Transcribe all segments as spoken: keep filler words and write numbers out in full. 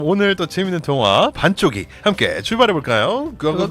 오늘 또 재밌는 동화 반쪽이 함께 출발해볼까요? 고고고!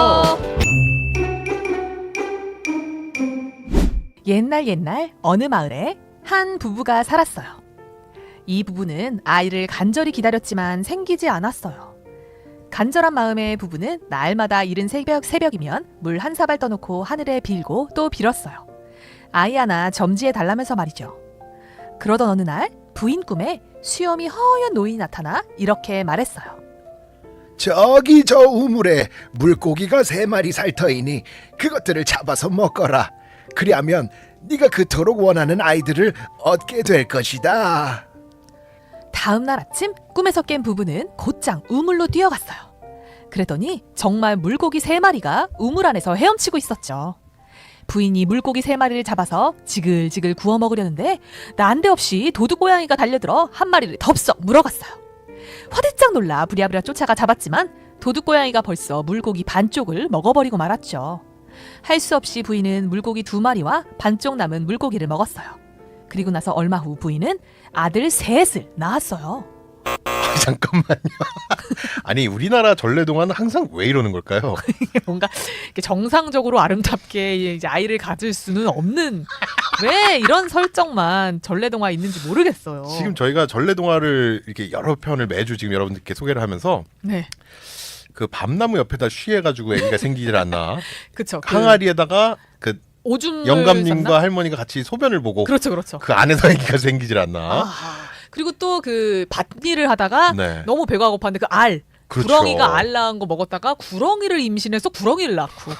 옛날 옛날 어느 마을에 한 부부가 살았어요. 이 부부는 아이를 간절히 기다렸지만 생기지 않았어요. 간절한 마음의 부부는 날마다 이른 새벽, 새벽이면 물 한 사발 떠놓고 하늘에 빌고 또 빌었어요. 아이 하나 점지해 달라면서 말이죠. 그러던 어느 날 부인 꿈에 수염이 허연 노인이 나타나 이렇게 말했어요. 저기 저 우물에 물고기가 세 마리 살 터이니 그것들을 잡아서 먹거라. 그리하면 네가 그토록 원하는 아이들을 얻게 될 것이다. 다음 날 아침 꿈에서 깬 부부는 곧장 우물로 뛰어갔어요. 그랬더니 정말 물고기 세 마리가 우물 안에서 헤엄치고 있었죠. 부인이 물고기 세 마리를 잡아서 지글지글 구워 먹으려는데 난데없이 도둑고양이가 달려들어 한 마리를 덥석 물어갔어요. 화들짝 놀라 부랴부랴 쫓아가 잡았지만 도둑고양이가 벌써 물고기 반쪽을 먹어버리고 말았죠. 할 수 없이 부인은 물고기 두 마리와 반쪽 남은 물고기를 먹었어요. 그리고 나서 얼마 후 부인은 아들 셋을 낳았어요. 잠깐만요. 아니 우리나라 전래동화는 항상 왜 이러는 걸까요? 뭔가 정상적으로 아름답게 이제 아이를 가질 수는 없는 왜 이런 설정만 전래동화에 있는지 모르겠어요. 지금 저희가 전래동화를 이렇게 여러 편을 매주 지금 여러분들께 소개를 하면서 네. 그 밤나무 옆에다 쉬해가지고 애기가 생기질 않나. 그쵸. 항아리에다가 그 오줌을 영감님과 쌌나? 할머니가 같이 소변을 보고 그렇죠, 그렇죠. 그 안에서 애기가 생기질 않나. 아, 그리고 또 그 밭일을 하다가 네. 너무 배가 고팠는데 그 알, 그렇죠. 구렁이가 알 낳은 거 먹었다가 구렁이를 임신해서 구렁이를 낳고.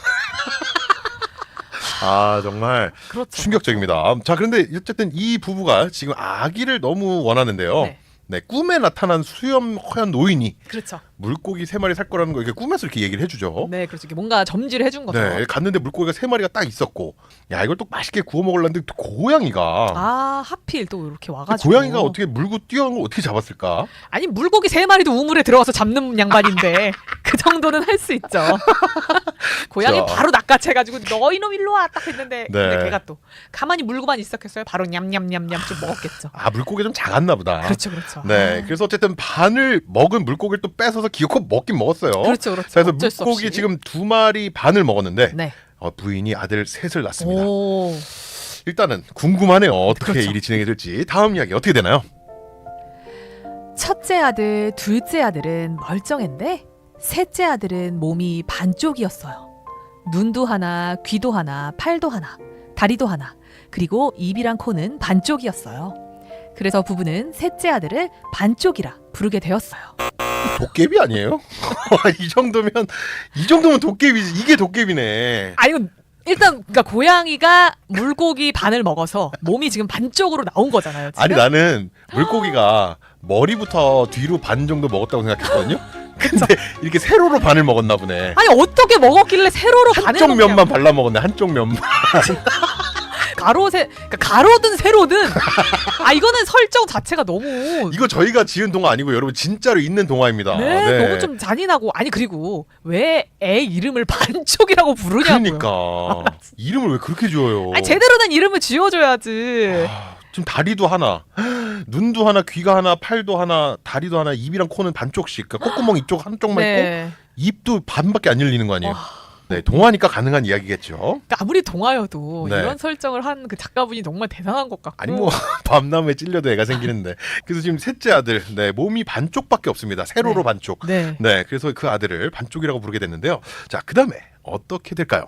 아 정말 그렇죠. 충격적입니다. 자 그런데 어쨌든 이 부부가 지금 아기를 너무 원하는데요. 네. 네, 꿈에 나타난 수염 허연 노인이 그렇죠. 물고기 세 마리 살 거라는 거 이렇게 꿈에서 이렇게 얘기를 해주죠. 네, 그렇죠. 이게 뭔가 점지를 해준 거죠. 네, 갔는데 물고기가 세 마리가 딱 있었고, 야 이걸 또 맛있게 구워 먹으려는데 또 고양이가, 아, 하필 또 이렇게 와가지고. 고양이가 어떻게 물고 뛰어온 걸 어떻게 잡았을까? 아니 물고기 세 마리도 우물에 들어가서 잡는 양반인데 그 정도는 할 수 있죠. 고양이 자. 바로 낚아채가지고 너 이놈 일로 와 딱 했는데 네. 근데 걔가 또 가만히 물고만 있었겠어요. 바로 냠냠냠냠 좀 먹었겠죠. 아 물고기 좀 작았나 보다. 그렇죠, 그렇죠. 네, 아. 그래서 어쨌든 반을 먹은 물고기를 또 뺏어서 기어코 먹긴 먹었어요. 그렇죠, 그렇죠. 그래서 어쩔 수 물고기 없이. 지금 두 마리 반을 먹었는데 네. 어, 부인이 아들 셋을 낳습니다. 오. 일단은 궁금하네요. 어떻게 그렇죠. 일이 진행이 될지. 다음 이야기 어떻게 되나요? 첫째 아들, 둘째 아들은 멀쩡했는데 셋째 아들은 몸이 반쪽이었어요. 눈도 하나, 귀도 하나, 팔도 하나, 다리도 하나, 그리고 입이랑 코는 반쪽이었어요. 그래서 부부는 셋째 아들을 반쪽이라 부르게 되었어요. 도깨비 아니에요? 이 정도면 이 정도면 도깨비지. 이게 도깨비네. 아 이거 일단 그러니까 고양이가 물고기 반을 먹어서 몸이 지금 반쪽으로 나온 거잖아요. 지금? 아니 나는 물고기가 머리부터 뒤로 반 정도 먹었다고 생각했거든요. 근데 이렇게 세로로 반을 먹었나 보네. 아니 어떻게 먹었길래 세로로 반을 한쪽 먹냐고. 면만 발라 먹었네. 한쪽 면만. 가로 세 그러니까 가로든 세로든 아 이거는 설정 자체가 너무 이거 저희가 지은 동화 아니고 여러분 진짜로 있는 동화입니다. 네, 너무 좀 잔인하고 아니 그리고 왜 애 이름을 반쪽이라고 부르냐고요. 그러니까 이름을 왜 그렇게 지어요? 아니 제대로 된 이름을 지어줘야지. 아, 지금 다리도 하나, 눈도 하나, 귀가 하나, 팔도 하나, 다리도 하나, 입이랑 코는 반쪽씩. 그러니까 콧구멍 이쪽 한쪽만 있고 네. 입도 반밖에 안 열리는 거 아니에요? 와. 네, 동화니까 가능한 이야기겠죠. 그러니까 아무리 동화여도 네. 이런 설정을 한 그 작가분이 정말 대단한 것 같고. 아니 뭐 밤나무에 찔려도 애가 생기는데. 그래서 지금 셋째 아들, 네 몸이 반쪽밖에 없습니다. 세로로 네. 반쪽. 네. 네, 그래서 그 아들을 반쪽이라고 부르게 됐는데요. 자, 그 다음에 어떻게 될까요?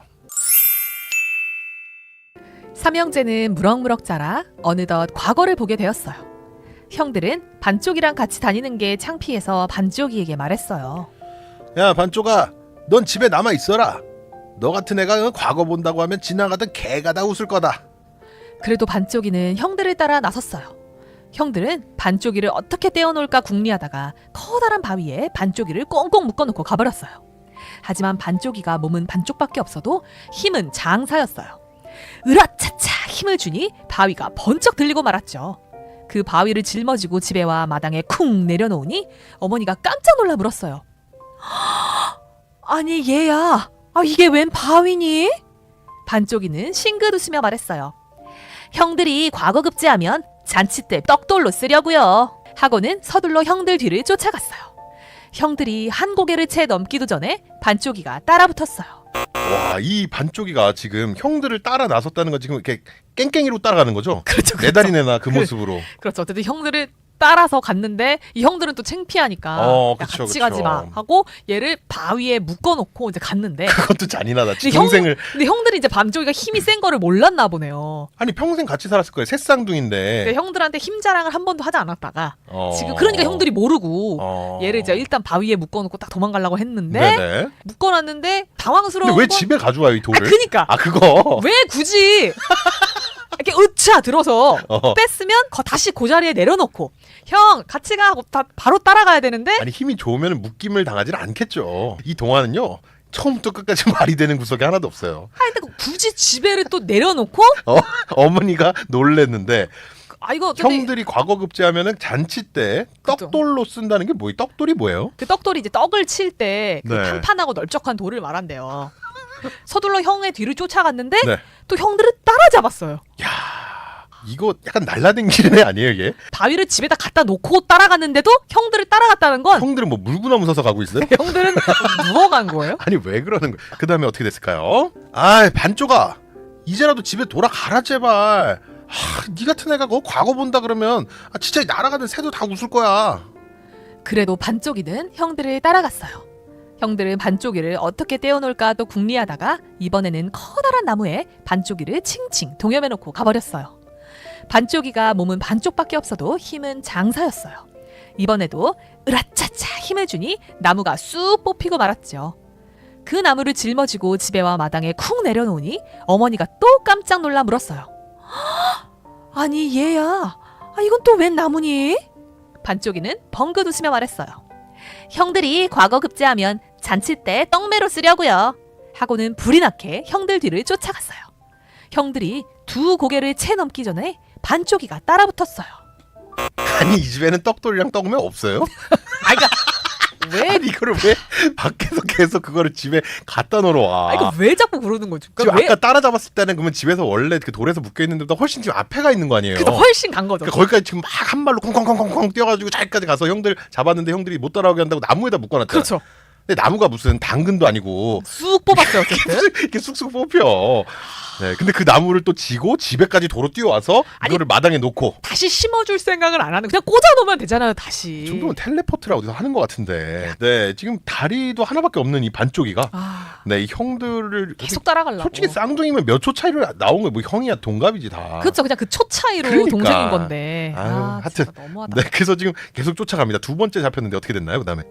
삼형제는 무럭무럭 자라 어느덧 과거를 보게 되었어요. 형들은 반쪽이랑 같이 다니는 게 창피해서 반쪽이에게 말했어요. 야, 반쪽아, 넌 집에 남아 있어라. 너 같은 애가 과거 본다고 하면 지나가던 개가 다 웃을 거다. 그래도 반쪽이는 형들을 따라 나섰어요. 형들은 반쪽이를 어떻게 떼어놓을까 궁리하다가 커다란 바위에 반쪽이를 꽁꽁 묶어놓고 가버렸어요. 하지만 반쪽이가 몸은 반쪽밖에 없어도 힘은 장사였어요. 으라차차 힘을 주니 바위가 번쩍 들리고 말았죠. 그 바위를 짊어지고 집에 와 마당에 쿵 내려놓으니 어머니가 깜짝 놀라 물었어요. 아니 얘야, 아, 이게 웬 바위니? 반쪽이는 싱긋 웃으며 말했어요. 형들이 과거 급제하면 잔치 때 떡돌로 쓰려고요. 하고는 서둘러 형들 뒤를 쫓아갔어요. 형들이 한 고개를 채 넘기도 전에 반쪽이가 따라붙었어요. 와, 이 반쪽이가 지금 형들을 따라 나섰다는 건 지금 이렇게 깽깽이로 따라가는 거죠? 그렇죠. 내 다리 내나 그 모습으로. 그렇죠. 어쨌든 형들을 따라서 갔는데 이 형들은 또 창피하니까 어, 야, 그쵸, 같이 그쵸. 가지 마 하고 얘를 바위에 묶어놓고 이제 갔는데 그것도 잔인하다. 근데 동생을 근데 형들이 이제 반쪽이가 힘이 센 거를 몰랐나 보네요. 아니 평생 같이 살았을 거예요. 새쌍둥인데. 근데 형들한테 힘 자랑을 한 번도 하지 않았다가 어. 지금 그러니까 형들이 모르고 어. 얘를 이제 일단 바위에 묶어놓고 딱 도망가려고 했는데 네네. 묶어놨는데 당황스러운 근데 왜 건 집에 가져와요 이 아 돌을? 그니까 아 그거. 왜 굳이 이렇게 으차 들어서 어. 뺐으면 거 다시 그 자리에 내려놓고 형 같이 가 하고 다 바로 따라가야 되는데 아니 힘이 좋으면 묶임을 당하지는 않겠죠. 이 동화는요. 처음부터 끝까지 말이 되는 구석이 하나도 없어요. 아 근데 굳이 집에를 또 내려놓고 어, 어머니가 놀랬는데 아 이거 근데 형들이 과거 급제하면은 잔치 때 그죠. 떡돌로 쓴다는 게 뭐예요? 떡돌이 뭐예요? 그 떡돌이 이제 떡을 칠 때 그 네. 판판하고 널쩍한 돌을 말한대요. 서둘러 형의 뒤를 쫓아갔는데 네. 또 형들을 따라잡았어요. 야, 이거 약간 날라댕기는 애 아니에요 이게? 바위를 집에다 갖다 놓고 따라갔는데도 형들을 따라갔다는 건 형들은 뭐 물구나무 서서 가고 있어요? 형들은 누워간 거예요? 아니 왜 그러는 거야? 그 다음에 어떻게 됐을까요? 아 반쪽아 이제라도 집에 돌아가라 제발. 아, 니 같은 애가 그 과거 본다 그러면 아, 진짜 날아가는 새도 다 웃을 거야. 그래도 반쪽이는 형들을 따라갔어요. 형들은 반쪽이를 어떻게 떼어놓을까 또 궁리하다가 이번에는 커다란 나무에 반쪽이를 칭칭 동여매놓고 가버렸어요. 반쪽이가 몸은 반쪽밖에 없어도 힘은 장사였어요. 이번에도 으라차차 힘을 주니 나무가 쑥 뽑히고 말았죠. 그 나무를 짊어지고 집에 와 마당에 쿵 내려놓으니 어머니가 또 깜짝 놀라 물었어요. 아니 얘야, 아, 이건 또 웬 나무니? 반쪽이는 벙긋 웃으며 말했어요. 형들이 과거 급제하면 잔치 때 떡매로 쓰려고요. 하고는 불이 나게 형들 뒤를 쫓아갔어요. 형들이 두 고개를 채 넘기 전에 반쪽이가 따라붙었어요. 아니 이 집에는 떡돌이랑 떡면 없어요? 아, 그러니까 왜? 아니 이거를 왜 밖에서 계속 그거를 집에 갖다 놓으러 와? 아, 이거 왜 자꾸 그러는 거죠? 지금 그러니까 왜? 아까 따라잡았을 때는 그러면 집에서 원래 그 돌에서 묶여 있는 데보다 훨씬 지금 앞에 가 있는 거 아니에요? 그래서 훨씬 간 거죠. 그러니까 거기까지 지금 막 한 발로 콩콩콩콩콩 뛰어가지고 자기까지 가서 형들 잡았는데 형들이 못 따라오게 한다고 나무에다 묶어놨잖아. 그렇죠. 근데 나무가 무슨 당근도 아니고 쑥 뽑았어요, 어쨌든. 이렇게 쑥쑥 뽑혀. 네, 근데 그 나무를 또 지고 집에까지 도로 뛰어와서 아니, 이거를 마당에 놓고. 다시 심어줄 생각을 안 하는 그냥 꽂아놓으면 되잖아요, 다시. 이 정도면 텔레포트라 어디서 하는 것 같은데. 네, 지금 다리도 하나밖에 없는 이 반쪽이가. 아, 네, 이 형들을 계속 따라가려고. 솔직히 쌍둥이면 몇 초 차이로 나온 거예요. 뭐 형이야 동갑이지 다. 그렇죠, 그냥 그 초 차이로 그러니까. 동생인 건데. 아유, 아, 하여튼. 진짜 너무하다. 네, 그래서 지금 계속 쫓아갑니다. 두 번째 잡혔는데 어떻게 됐나요? 그다음에.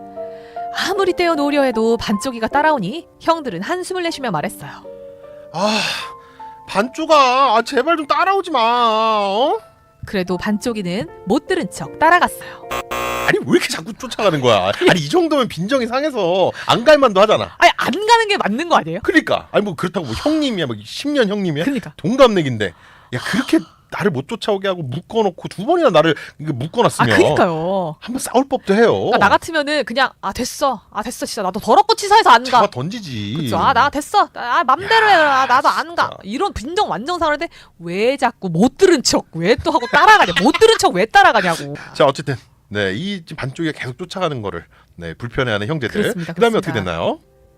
아무리 떼어놓으려 해도 반쪽이가 따라오니 형들은 한숨을 내쉬며 말했어요. 아, 반쪽아, 아, 제발 좀 따라오지 마. 어? 그래도 반쪽이는 못 들은 척 따라갔어요. 아니 왜 이렇게 자꾸 쫓아가는 거야? 아니 이 정도면 빈정이 상해서 안 갈만도 하잖아. 아니 안 가는 게 맞는 거 아니에요? 그러니까 아니 뭐 그렇다고 뭐 형님이야, 뭐 십 년 형님이야, 그러니까. 동갑내기인데 야 그렇게 나를 못 쫓아오게 하고 묶어놓고 두 번이나 나를 이게 아 묶어놨으면 그러니까요. 한번 싸울 법도 해요. 그러니까 나 같으면은 그냥 아 됐어, 아 됐어, 진짜 나도 더럽고 치사해서 안 잡아 가. 던지지. 그쵸? 아 나 됐어, 아 맘대로 해, 아, 나도 안 가. 진짜. 이런 빈정 완전 상하는데 왜 자꾸 못 들은 척 왜 또 하고 따라가냐? 못 들은 척 왜 따라가냐고. 자 어쨌든 네, 이 반쪽이가 계속 쫓아가는 거를 네 불편해하는 형제들. 그렇습니다, 그다음에 그렇습니다. 어떻게 됐나요?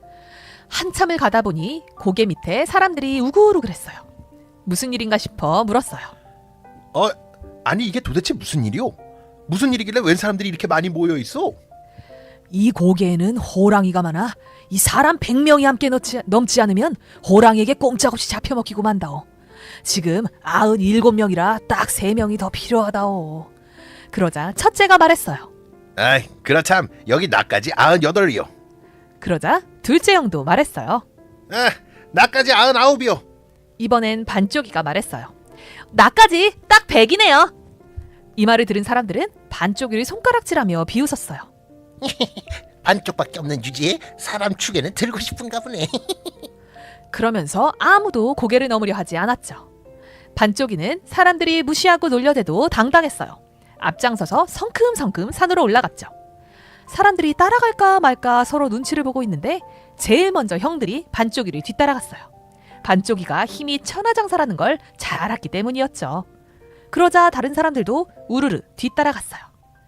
한참을 가다 보니 고개 밑에 사람들이 우글우글했어요. 무슨 일인가 싶어 물었어요. 어 아니 이게 도대체 무슨 일이요? 무슨 일이길래 웬 사람들이 이렇게 많이 모여 있어? 이 고개에는 호랑이가 많아 이 사람 백 명이 함께 넘지, 넘지 않으면 호랑이에게 꼼짝없이 잡혀먹히고 만다오. 지금 아흔 일곱 명이라 딱 세 명이 더 필요하다오. 그러자 첫째가 말했어요. 아이 그렇참 여기 나까지 아흔여덟이요. 그러자 둘째 형도 말했어요. 아 나까지 아흔아홉이요. 이번엔 반쪽이가 말했어요. 나까지 딱 백이네요. 이 말을 들은 사람들은 반쪽이를 손가락질하며 비웃었어요. 반쪽밖에 없는 주제에 사람 축에는 들고 싶은가 보네. 그러면서 아무도 고개를 넘으려 하지 않았죠. 반쪽이는 사람들이 무시하고 놀려대도 당당했어요. 앞장서서 성큼성큼 산으로 올라갔죠. 사람들이 따라갈까 말까 서로 눈치를 보고 있는데 제일 먼저 형들이 반쪽이를 뒤따라갔어요. 반쪽이가 힘이 천하장사라는 걸 잘 알았기 때문이었죠. 그러자 다른 사람들도 우르르 뒤따라갔어요.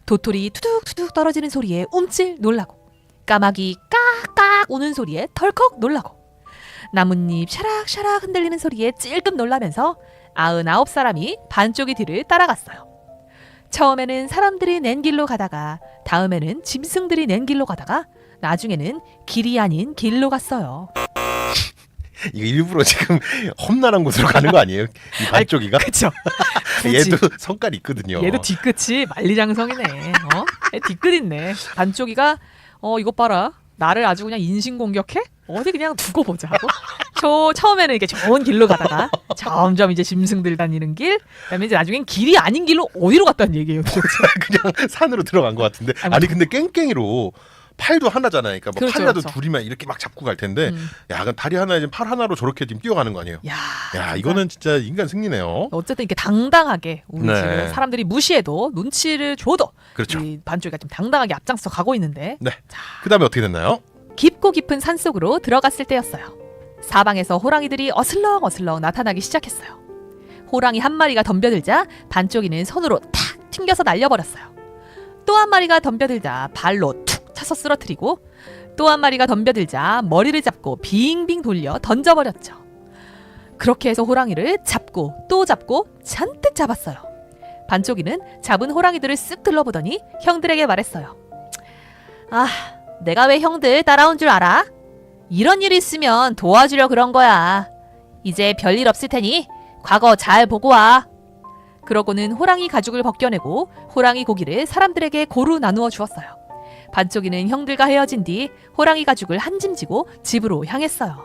도토리 투둑투둑 떨어지는 소리에 움찔 놀라고, 까마귀 깍깍 우는 소리에 덜컥 놀라고, 나뭇잎 샤락샤락 흔들리는 소리에 찔끔 놀라면서 아흔아홉 사람이 반쪽이 뒤를 따라갔어요. 처음에는 사람들이 낸 길로 가다가, 다음에는 짐승들이 낸 길로 가다가, 나중에는 길이 아닌 길로 갔어요. 이거 일부러 지금 험난한 곳으로 가는 거 아니에요? 이 반쪽이가? 그쵸? 얘도 성깔이 있거든요. 얘도 뒤끝이 만리장성이네. 어? 얘 뒤끝 있네. 반쪽이가 어 이것 봐라. 나를 아주 그냥 인신공격해? 어디 그냥 두고 보자 하고. 저 처음에는 이렇게 좋은 길로 가다가 점점 이제 짐승들 다니는 길, 그다음에 이제 나중엔 길이 아닌 길로 어디로 갔다는 얘기예요. 그냥 산으로 들어간 것 같은데. 아니, 아니 근데 깽깽이로 팔도 하나잖아요. 그러니까 뭐 그렇죠, 팔이라도 그렇죠. 둘이면 이렇게 막 잡고 갈 텐데, 음. 야, 그럼 다리 하나에 지금 팔 하나로 저렇게 지금 뛰어가는 거 아니에요? 야, 야, 이거는 진짜 인간 승리네요. 어쨌든 이렇게 당당하게 우리 네. 지금 사람들이 무시해도 눈치를 줘도 그렇죠. 이 반쪽이가 좀 당당하게 앞장서 가고 있는데, 네. 그다음에 어떻게 됐나요? 깊고 깊은 산속으로 들어갔을 때였어요. 사방에서 호랑이들이 어슬렁 어슬렁 나타나기 시작했어요. 호랑이 한 마리가 덤벼들자 반쪽이는 손으로 탁 튕겨서 날려버렸어요. 또 한 마리가 덤벼들자 발로 툭 차서 쓰러뜨리고, 또 한 마리가 덤벼들자 머리를 잡고 빙빙 돌려 던져버렸죠. 그렇게 해서 호랑이를 잡고 또 잡고 잔뜩 잡았어요. 반쪽이는 잡은 호랑이들을 쓱 둘러보더니 형들에게 말했어요. 아, 내가 왜 형들 따라온 줄 알아? 이런 일 있으면 도와주려 그런 거야. 이제 별일 없을 테니 과거 잘 보고 와. 그러고는 호랑이 가죽을 벗겨내고 호랑이 고기를 사람들에게 고루 나누어 주었어요. 반쪽이는 형들과 헤어진 뒤 호랑이 가죽을 한 짐 지고 집으로 향했어요.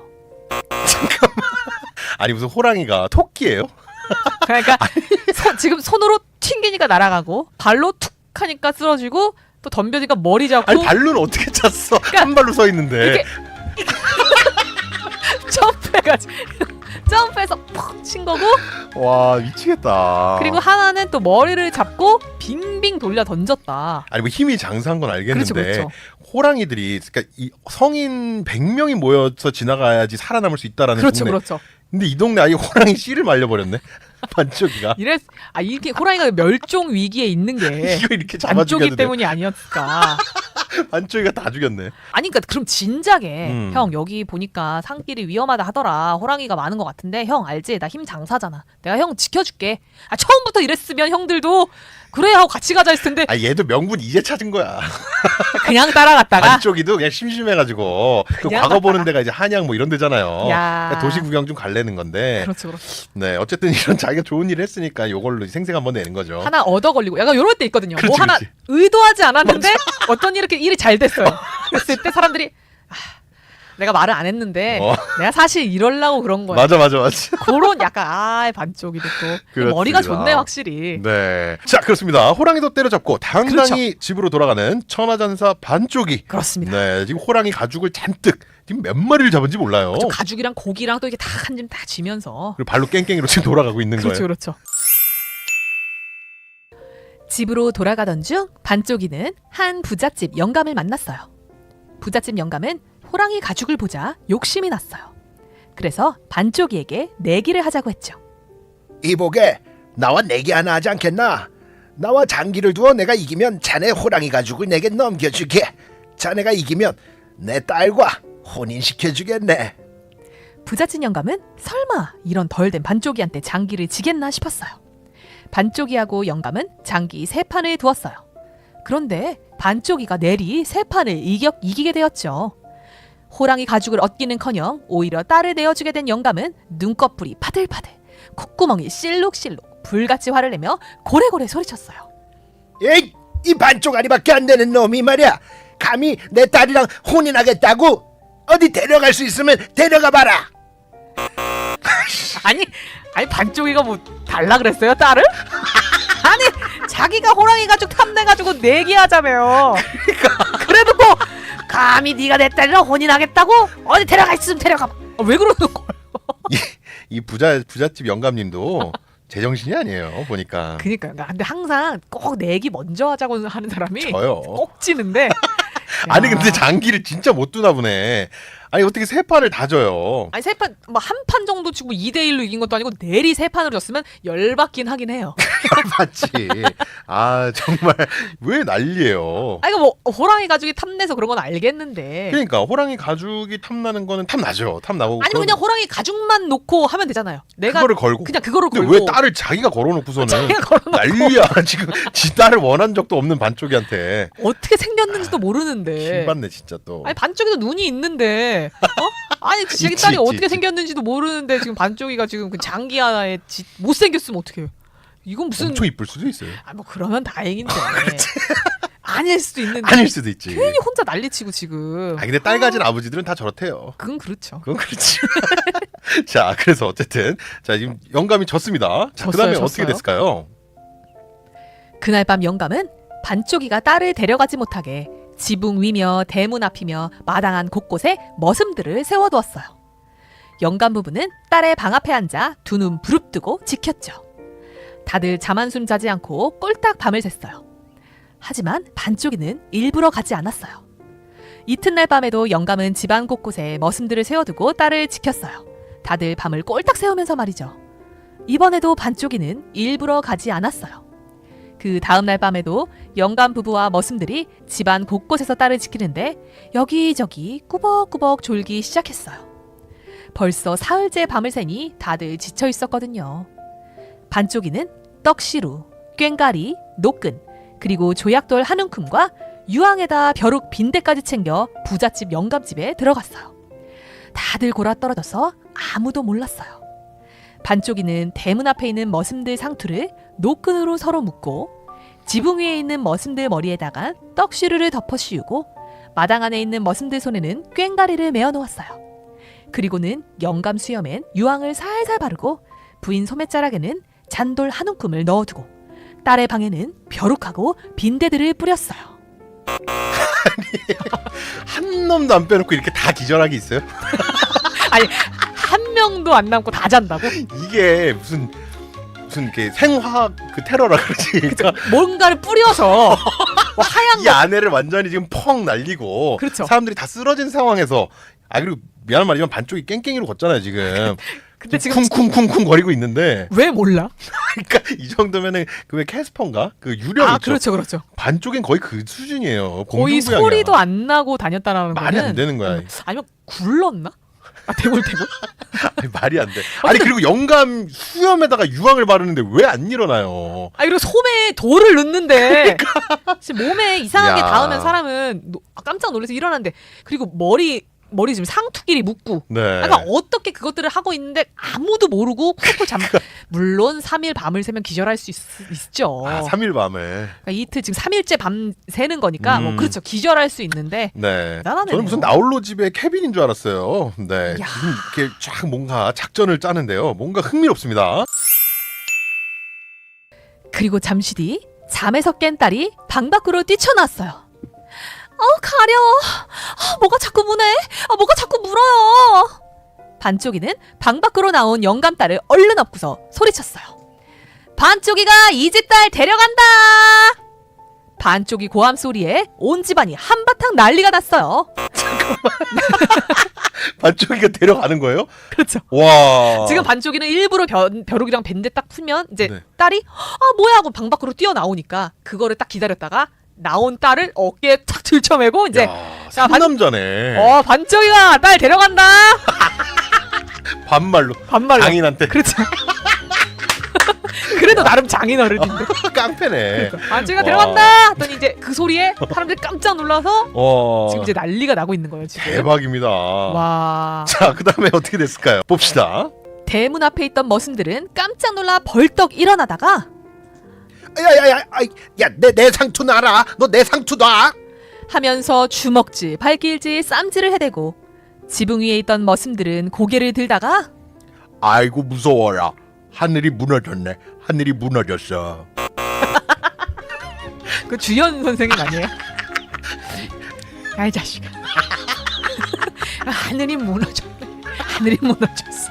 아니 무슨 호랑이가 토끼예요? 그러니까 소, 지금 손으로 튕기니까 날아가고, 발로 툭 하니까 쓰러지고, 또 덤벼니까 머리 잡고, 아니 발로는 어떻게 찼어? 한 발로 서 있는데. 이렇게 점프해가지고 점프해서 푹 친 거고, 와 미치겠다. 그리고 하나는 또 머리를 잡고 빙빙 돌려 던졌다. 아니 뭐 힘이 장사한 건 알겠는데, 그렇죠, 그렇죠. 호랑이들이 그러니까 이 성인 백 명이 모여서 지나가야지 살아남을 수 있다라는 그렇죠, 동네. 그렇죠. 근데 이 동네 아예 호랑이 씨를 말려버렸네. 반쪽이가. 이래 아 이렇게 호랑이가 멸종 위기에 있는 게 이거 이렇게 잡아 반쪽이 죽였는데. 때문이 아니었을까? 반쪽이가 다 죽였네. 아니 그러니까 그럼 진작에 음. 형 여기 보니까 산길이 위험하다 하더라. 호랑이가 많은 것 같은데 형 알지? 나 힘 장사잖아. 내가 형 지켜줄게. 아 처음부터 이랬으면 형들도 그래 하고 같이 가자 했을 텐데 아 얘도 명분 이제 찾은 거야. 그냥 따라갔다가 반쪽이도 그냥 심심해가지고 그 그냥 과거 보는 갔다가. 데가 이제 한양 뭐 이런 데잖아요. 야. 그러니까 도시 구경 좀 갈래는 건데. 그렇죠, 그렇죠. 네 어쨌든 이런 자기가 좋은 일을 했으니까 요걸로 생생 한번 내는 거죠. 하나 얻어 걸리고 약간 이럴 때 있거든요. 그렇지, 뭐 하나 그렇지. 의도하지 않았는데 어떤 이렇게 일이 잘 됐어요. 그랬을 때 사람들이 아, 내가 말을 안 했는데 어. 내가 사실 이러려고 그런 거야. 맞아 맞아 맞아. 그런 약간 아 반쪽이 됐고 그렇습니다. 머리가 좋네 확실히. 네. 자 그렇습니다. 호랑이도 때려잡고 당당히 그렇죠. 집으로 돌아가는 천하전사 반쪽이. 그렇습니다. 네 지금 호랑이 가죽을 잔뜩 지금 몇 마리를 잡은지 몰라요. 저 가죽이랑 고기랑 또 이게 다 한 짐 다 지면서. 그리고 발로 깽깽이로 지금 돌아가고 있는 그렇죠, 거예요. 그렇죠. 집으로 돌아가던 중 반쪽이는 한 부잣집 영감을 만났어요. 부잣집 영감은 호랑이 가죽을 보자 욕심이 났어요. 그래서 반쪽이에게 내기를 하자고 했죠. 이보게, 나와 내기 하나 하지 않겠나? 나와 장기를 두어 내가 이기면 자네 호랑이 가죽을 내게 넘겨주게. 자네가 이기면 내 딸과 혼인시켜주겠네. 부잣집 영감은 설마 이런 덜된 반쪽이한테 장기를 지겠나 싶었어요. 반쪽이하고 영감은 장기 세 판을 두었어요. 그런데 반쪽이가 내리 세 판을 이겨, 이기게 되었죠. 호랑이 가죽을 얻기는커녕 오히려 딸을 내어주게 된 영감은 눈꺼풀이 파들파들, 콧구멍이 실룩실룩, 불같이 화를 내며 고래고래 소리쳤어요. 에이, 이 반쪽아리밖에 안 되는 놈이 말이야. 감히 내 딸이랑 혼인하겠다고? 어디 데려갈 수 있으면 데려가 봐라. 아니, 아니 반쪽이가 뭐 달라 그랬어요 딸을? 아니 자기가 호랑이 가죽 탐내가지고 내기하자며요. 그래도 뭐 감히 네가 내 딸이랑 혼인하겠다고? 어디 데려가 있으면 데려가. 아, 왜 그러는 거예요? 이, 이 부자 부잣집 영감님도 제정신이 아니에요. 보니까. 그니까요. 근데 항상 꼭 내기 먼저 하자고 하는 사람이 저요. 꼭 지는데. 아니 야. 근데 장기를 진짜 못 두나 보네. 아니 어떻게 세 판을 다 져요? 아니 세 판 뭐 한 판 정도 치고 이 대 일로 이긴 것도 아니고 내리 세 판으로 졌으면 열받긴 하긴 해요. 맞지. 아 정말 왜 난리예요. 아 이거 뭐 호랑이 가죽이 탐내서 그런 건 알겠는데. 그러니까 호랑이 가죽이 탐나는 거는 탐 나죠. 탐 나고. 아니면 그냥 호랑이 가죽만 놓고 하면 되잖아요. 내가 그거를 걸고. 그냥 그거를 근데 걸고. 왜 딸을 자기가 걸어놓고서는 자기가 걸어놓고 난리야. 지금 지 딸을 원한 적도 없는 반쪽이한테. 어떻게 생겼는지도 모르는데. 킹받네 진짜 또. 아니 반쪽이도 눈이 있는데. 어? 아니 자기 있지, 딸이 있지, 어떻게 있지. 생겼는지도 모르는데 지금 반쪽이가 지금 그 장기 하나에 지, 못 생겼으면 어떡해요? 이건 무슨 엄청 이쁠 수도 있어요. 아 뭐 그러면 다행인데. 아닐 수도 있는데. 아닐 수도 있지. 괜히 혼자 난리치고 지금. 아 근데 딸 가진 아버지들은 다 저렇대요. 그건 그렇죠. 그건 그렇지. 자, 그래서 어쨌든 자 지금 영감이 졌습니다. 자, 졌어요, 그다음에 졌어요. 어떻게 됐을까요? 그날 밤 영감은 반쪽이가 딸을 데려가지 못하게 지붕 위며 대문 앞이며 마당 안 곳곳에 머슴들을 세워두었어요. 영감 부부는 딸의 방 앞에 앉아 두 눈 부릅뜨고 지켰죠. 다들 잠 한숨 자지 않고 꼴딱 밤을 샜어요. 하지만 반쪽이는 일부러 가지 않았어요. 이튿날 밤에도 영감은 집안 곳곳에 머슴들을 세워두고 딸을 지켰어요. 다들 밤을 꼴딱 새우면서 말이죠. 이번에도 반쪽이는 일부러 가지 않았어요. 그 다음날 밤에도 영감 부부와 머슴들이 집안 곳곳에서 딸을 지키는데 여기저기 꾸벅꾸벅 졸기 시작했어요. 벌써 사흘째 밤을 새니 다들 지쳐 있었거든요. 반쪽이는 떡시루, 꽹가리, 노끈, 그리고 조약돌 한 움큼과 유황에다 벼룩 빈대까지 챙겨 부잣집 영감집에 들어갔어요. 다들 골아 떨어져서 아무도 몰랐어요. 반쪽이는 대문 앞에 있는 머슴들 상투를 노끈으로 서로 묶고 지붕 위에 있는 머슴들 머리에다가 떡시루를 덮어 씌우고 마당 안에 있는 머슴들 손에는 꽹가리를 메어 놓았어요. 그리고는 영감 수염엔 유황을 살살 바르고 부인 소매자락에는 잔돌 한 움큼을 넣어두고 딸의 방에는 벼룩하고 빈대들을 뿌렸어요. 한 놈도 안 빼놓고 이렇게 다 기절하게 있어요? 아니 한 명도 안 남고 다 잔다고? 이게 무슨 무슨 이렇게 생화학 그 테러라 그러지. 그러니까 뭔가를 뿌려서 뭐 하얀 이 거 아내를 완전히 지금 펑 날리고 그렇죠. 사람들이 다 쓰러진 상황에서 아 그리고 미안한 말이지만 반쪽이 깽깽이로 걷잖아요 지금. 근데 지금 쿵쿵쿵쿵 거리고 있는데 왜 몰라? 그러니까 이 정도면은 그 왜 캐스퍼인가 그 유령 아 있죠. 그렇죠 그렇죠. 반쪽엔 거의 그 수준이에요. 거의 공중부양이야. 소리도 안 나고 다녔다라는 말이 거는 안 되는 거야. 음, 아니면 굴렀나? 아 대굴대굴? 아니, 말이 안 돼. 아니 그리고 영감 수염에다가 유황을 바르는데 왜 안 일어나요? 아 그리고 소매에 돌을 넣는데 지금 몸에 이상하게 야. 닿으면 사람은 노- 아, 깜짝 놀라서 일어나는데 그리고 머리 머리 지금 상투끼리 묶고 네. 그러니까 어떻게 그것들을 하고 있는데 아무도 모르고 쿨쿨 잠 물론 삼 일 밤을 새면 기절할 수 있, 있죠. 아, 삼 일 밤에. 그러니까 이틀 지금 삼 일째 밤 새는 거니까 음. 뭐 그렇죠. 기절할 수 있는데 네. 대단하네요. 저는 무슨 나홀로 집의 케빈인 줄 알았어요. 네. 야. 지금 이렇게 쫙 뭔가 작전을 짜는데요. 뭔가 흥미롭습니다. 그리고 잠시 뒤 잠에서 깬 딸이 방 밖으로 뛰쳐나왔어요. 어 가려워. 아, 뭐가 자꾸 무네. 아, 뭐가 자꾸 물어요. 반쪽이는 방 밖으로 나온 영감 딸을 얼른 업고서 소리쳤어요. 반쪽이가 이 집 딸 데려간다. 반쪽이 고함 소리에 온 집안이 한바탕 난리가 났어요. 반쪽이가 데려가는 거예요? 그렇죠. 와. 지금 반쪽이는 일부러 벼, 벼룩이랑 밴드 딱 풀면 이제 네. 딸이 아 뭐야 하고 방 밖으로 뛰어나오니까 그거를 딱 기다렸다가 나온 딸을 어깨에 탁 들쳐매고 이제 야, 자, 반- 상남자네. 어 반쪽이가 딸 데려간다 반말로. 반말로 장인한테. 그렇죠. 그래도 나름 장인어른인데 깡패네. 반쪽이가 와. 데려간다 하더니 이제 그 소리에 사람들이 깜짝 놀라서 어. 지금 이제 난리가 나고 있는 거예요 지금. 대박입니다. 와 자, 그다음에 어떻게 됐을까요? 봅시다. 대문 앞에 있던 머슴들은 깜짝 놀라 벌떡 일어나다가 야야야, 야내 내 상투 놔라. 너 내 상투 놔. 하면서 주먹질, 발길질, 쌈질을 해대고 지붕 위에 있던 머슴들은 고개를 들다가 아이고 무서워라. 하늘이 무너졌네. 하늘이 무너졌어. 그 주연 선생님 아니에요? 아이 자식아 하늘이 무너졌네 하늘이 무너졌어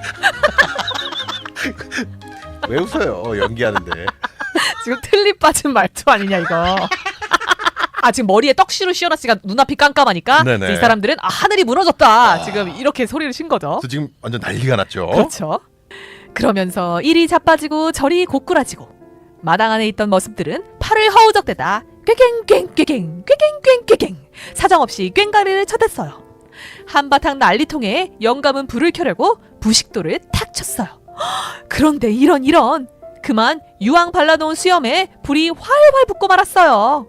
왜 웃어요? 연기하는데. 지금 틀리 빠진 말투 아니냐 이거 아 지금 머리에 떡시로 씌워놨으니까 눈앞이 깜깜하니까 네네. 이제 이 사람들은 아 하늘이 무너졌다 지금 이렇게 소리를 신 거죠. 그래서 지금 완전 난리가 났죠. 그렇죠. 그러면서 이리 자빠지고 저리 고꾸라지고 마당 안에 있던 머슴들은 팔을 허우적대다 꾀갱 꾀갱 꾀갱 꾀갱 꾀갱 사정없이 꽹가리를 쳐댔어요. 한바탕 난리통에 영감은 불을 켜려고 부식도를 탁 쳤어요. 헉, 그런데 이런 이런 그만 유황 발라놓은 수염에 불이 활활 붙고 말았어요.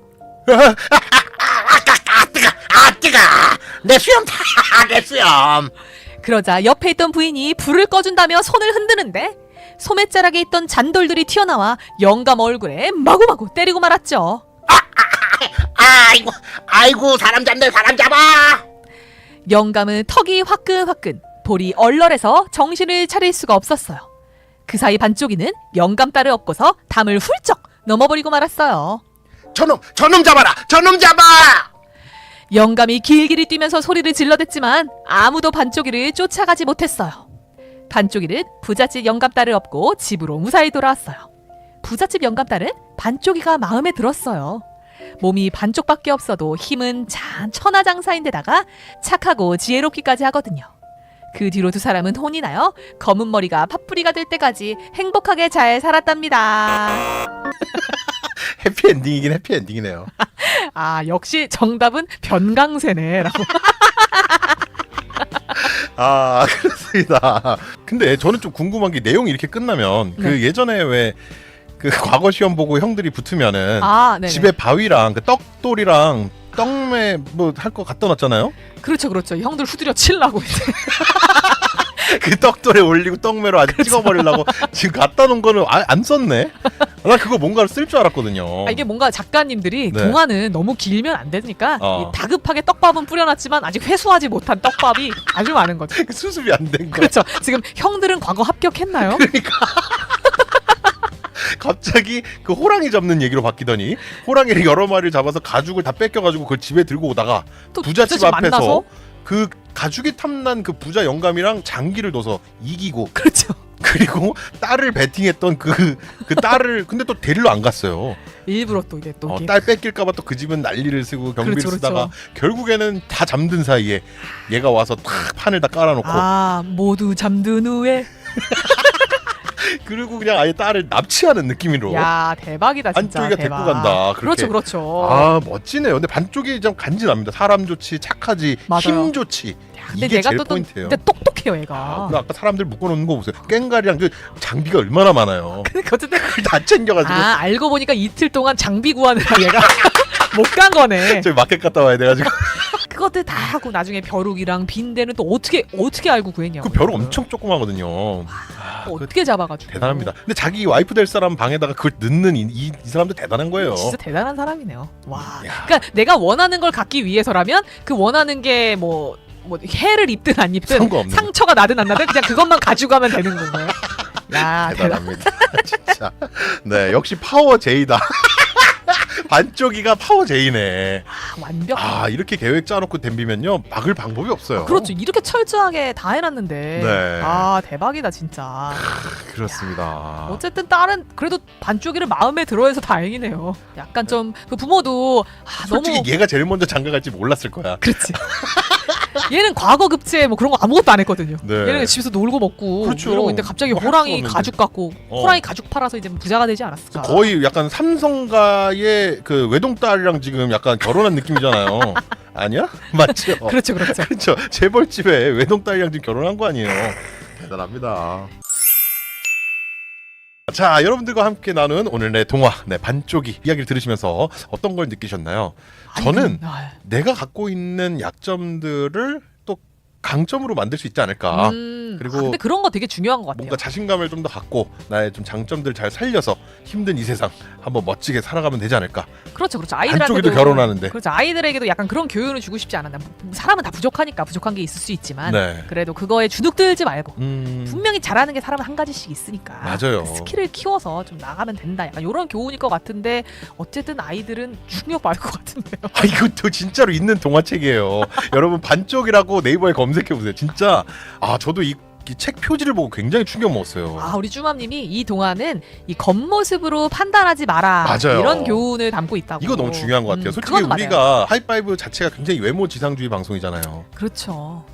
아 뜨거, 아 뜨거. 내 수염 다 내 수염. 그러자 옆에 있던 부인이 불을 꺼준다며 손을 흔드는데 소매자락에 있던 잔돌들이 튀어나와 영감 얼굴에 마구마구 때리고 말았죠. 아이고, 아이고 사람 잡네 사람 잡아. 영감은 턱이 화끈화끈 볼이 얼얼해서 정신을 차릴 수가 없었어요. 그 사이 반쪽이는 영감 딸을 업고서 담을 훌쩍 넘어버리고 말았어요. 저놈, 저놈 잡아라, 저놈 잡아. 영감이 길길이 뛰면서 소리를 질러댔지만 아무도 반쪽이를 쫓아가지 못했어요. 반쪽이는 부잣집 영감딸을 업고 집으로 무사히 돌아왔어요. 부잣집 영감딸은 반쪽이가 마음에 들었어요. 몸이 반쪽밖에 없어도 힘은 참 천하장사인데다가 착하고 지혜롭기까지 하거든요. 그 뒤로 두 사람은 혼이 나요. 검은 머리가 팥뿌리가 될 때까지 행복하게 잘 살았답니다. 해피엔딩이긴 해피엔딩이네요. 아 역시 정답은 변강세네라고. 아 그렇습니다. 근데 저는 좀 궁금한 게 내용이 이렇게 끝나면 그 네. 예전에 왜 그 과거 시험 보고 형들이 붙으면은 아 네네. 집에 바위랑 그 떡돌이랑 떡매 뭐 할 거 갖다 놨잖아요. 그렇죠 그렇죠. 형들 후드려 칠라고 이제. 그 떡돌에 올리고 떡매로 아주 그렇죠. 찍어버리려고 지금 갖다 놓은 거는 아, 안 썼네. 나 그거 뭔가를 쓸 줄 알았거든요. 아, 이게 뭔가 작가님들이 네. 동화는 너무 길면 안 되니까 어. 이 다급하게 떡밥은 뿌려놨지만 아직 회수하지 못한 떡밥이 아주 많은 거죠. 수습이 안 된 거. 그렇죠. 지금 형들은 과거 합격했나요? 갑자기 그 호랑이 잡는 얘기로 바뀌더니 호랑이를 여러 마리를 잡아서 가죽을 다 뺏겨가지고 그걸 집에 들고 오다가 또 부잣집 부잣집 앞에서 만나서? 그 가죽이 탐난 그 부자 영감이랑 장기를 둬서 이기고 그렇죠. 그리고 딸을 베팅했던 그 그 딸을 근데 또 데리러 안 갔어요. 일부러 또 이게 또 어, 이게 딸 뺏길까봐 또 그 집은 난리를 쓰고 경비를 그렇죠, 쓰다가 그렇죠. 결국에는 다 잠든 사이에 얘가 와서 탁 판을 다 깔아놓고 아 모두 잠든 후에 그리고 그냥 아예 딸을 납치하는 느낌으로 야 대박이다 진짜. 반쪽이가 대박. 데리고 간다, 그렇게. 그렇죠 그렇죠. 아 멋지네요. 근데 반쪽이 좀 간지납니다. 사람 좋지, 착하지, 맞아요. 힘 좋지. 야, 근데 이게 얘가 제일 또, 또 포인트예요. 근데 똑똑해요 얘가. 아, 그 아까 사람들 묶어놓는 거 보세요. 꽹가리랑 그 장비가 얼마나 많아요. 근데 어쨌든 그걸 다 챙겨가지고 아 알고 보니까 이틀 동안 장비 구하느라 얘가 못 간 거네. 저희 마켓 갔다 와야 돼가지고 그것들 다 하고 나중에 벼룩이랑 빈대는 또 어떻게 어떻게 알고 구했냐고. 그 벼룩 엄청 조그마거든요. 아, 또 그 어떻게 잡아가지고. 대단합니다. 근데 자기 와이프 될 사람 방에다가 그걸 넣는 이, 이, 이 사람도 대단한 거예요. 진짜 대단한 사람이네요. 와. 야. 그러니까 내가 원하는 걸 갖기 위해서라면 그 원하는 게 뭐 뭐 해를 입든 안 입든 상관없는 상처가 나든 안 나든 그냥 그것만 가져가면 되는 거예요. 야 대단. 대단합니다. 진짜. 네, 역시 파워 제이다. 반쪽이가 파워 제이네. 아, 완벽. 아, 이렇게 계획 짜놓고 덤비면요 막을 방법이 없어요. 그렇죠. 이렇게 철저하게 다 해놨는데. 네. 아 대박이다 진짜. 그렇습니다. 어쨌든 딸은 그래도 반쪽이를 마음에 들어해서 다행이네요. 약간 좀 그 부모도 아, 솔직히 너무 얘가 제일 먼저 장가갈지 몰랐을 거야. 그렇지. 얘는 과거 급제 뭐 그런 거 아무것도 안 했거든요. 네. 얘는 집에서 놀고 먹고 그렇죠. 이러고 있는데 갑자기 뭐 할 호랑이 수가 없는데. 가죽 갖고 어. 호랑이 가죽 팔아서 이제 부자가 되지 않았을까. 거의 약간 삼성가의 그 외동딸이랑 지금 약간 결혼한 느낌이잖아요. 아니야? 맞죠? 그렇죠, 그렇죠. 그렇죠. 재벌집에 외동딸이랑 지금 결혼한 거 아니에요. 대단합니다. 자, 여러분들과 함께 나눈 오늘의 동화, 네, 반쪽이 이야기를 들으시면서 어떤 걸 느끼셨나요? 저는 아, 내가 갖고 있는 약점들을 또 강점으로 만들 수 있지 않을까. 음, 그리고 아, 근데 그런 거 되게 중요한 것 같아요. 뭔가 자신감을 좀 더 갖고 나의 좀 장점들을 잘 살려서 힘든 이 세상 한번 멋지게 살아가면 되지 않을까. 그렇죠, 그렇죠. 반쪽이도 아이들한테도 결혼하는데. 그렇죠. 아이들에게도 약간 그런 교훈을 주고 싶지 않았나. 사람은 다 부족하니까 부족한 게 있을 수 있지만 네. 그래도 그거에 주눅들지 말고 음. 분명히 잘하는 게 사람은 한 가지씩 있으니까 맞아요. 그 스킬을 키워서 좀 나가면 된다. 약간 이런 교훈일 것 같은데 어쨌든 아이들은 충격 받을 것 같은데요. 아, 이것도 진짜로 있는 동화책이에요. 여러분 반쪽이라고 네이버에 검색해 보세요. 진짜 아 저도 이 이 책 표지를 보고 굉장히 충격 먹었어요. 아, 우리 쭈맘님이 이 동화는 이 겉모습으로 판단하지 마라. 맞아요. 이런 교훈을 담고 있다고. 이거 너무 중요한 것 같아요. 음, 솔직히 그건 우리가 맞아요. 하이파이브 자체가 굉장히 외모 지상주의 방송이잖아요. 그렇죠.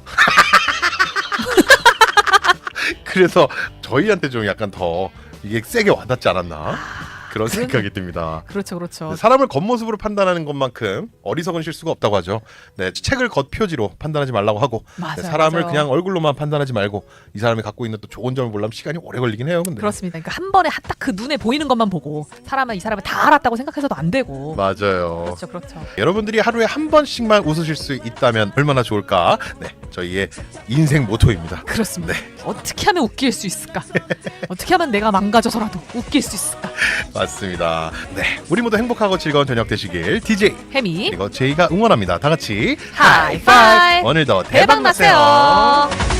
그래서 저희한테 좀 약간 더 이게 세게 와닿지 않았나 그런 그런- 생각이 듭니다. 그렇죠, 그렇죠. 사람을 겉모습으로 판단하는 것만큼 어리석은 실수가 없다고 하죠. 네, 책을 겉표지로 판단하지 말라고 하고 맞아요. 네, 사람을 맞아요. 그냥 얼굴로만 판단하지 말고 이 사람이 갖고 있는 또 좋은 점을 보려면 시간이 오래 걸리긴 해요. 근데 그렇습니다. 그러니까 한 번에 딱 그 눈에 보이는 것만 보고 사람은 이 사람을 다 알았다고 생각해서도 안 되고. 맞아요. 그렇죠, 그렇죠. 여러분들이 하루에 한 번씩만 웃으실 수 있다면 얼마나 좋을까? 네, 저희의 인생 모토입니다. 그렇습니다. 네. 어떻게 하면 웃길 수 있을까? 어떻게 하면 내가 망가져서라도 웃길 수 있을까? 맞습니다. 네, 우리 모두 행복하고 즐거운 저녁 되시길 디제이 혜미 그리고 제이가 응원합니다. 다 같이 하이파이브! 오늘도 대박 대박 나세요. 나세요.